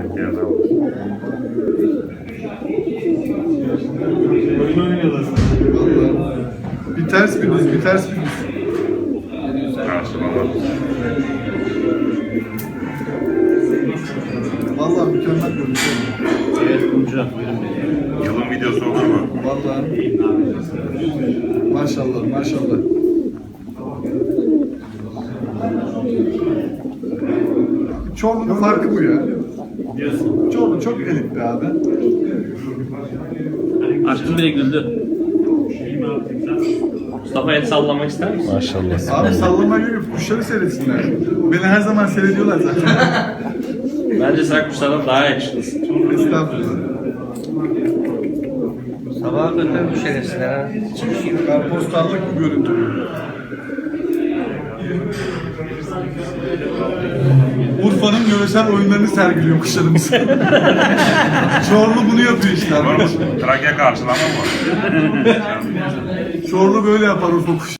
Oyun oynuyorlar. Vallahi. Bir ters bir düz, bir ters bir düz. Vallahi mükemmel görünüyor. Evet Kumcu. Yılın videosu olur mu? Vallahi. Maşallah, maşallah. Çorlu'nun farkı bu ya. Diyorsun. Çorlu çok elit be abi. Aşkım bile güldü. Mustafa el sallamak ister misin? Maşallah. Abi sallama gibi kuşları seyretsinler. Beni her zaman seyrediyorlar zaten. Bence sen kuşlardan daha yakışıklısın. Estağfurullah. Sabaha kadar bir şerefsizler ha. Karpostallık bu görüntü. Urfa'nın yöresel oyunlarını sergiliyor kuşlarımız. Çorlu bunu yapıyor işte arkadaşlar. Trakya karşılama mı? Çorlu böyle yapar Urfa kuşu.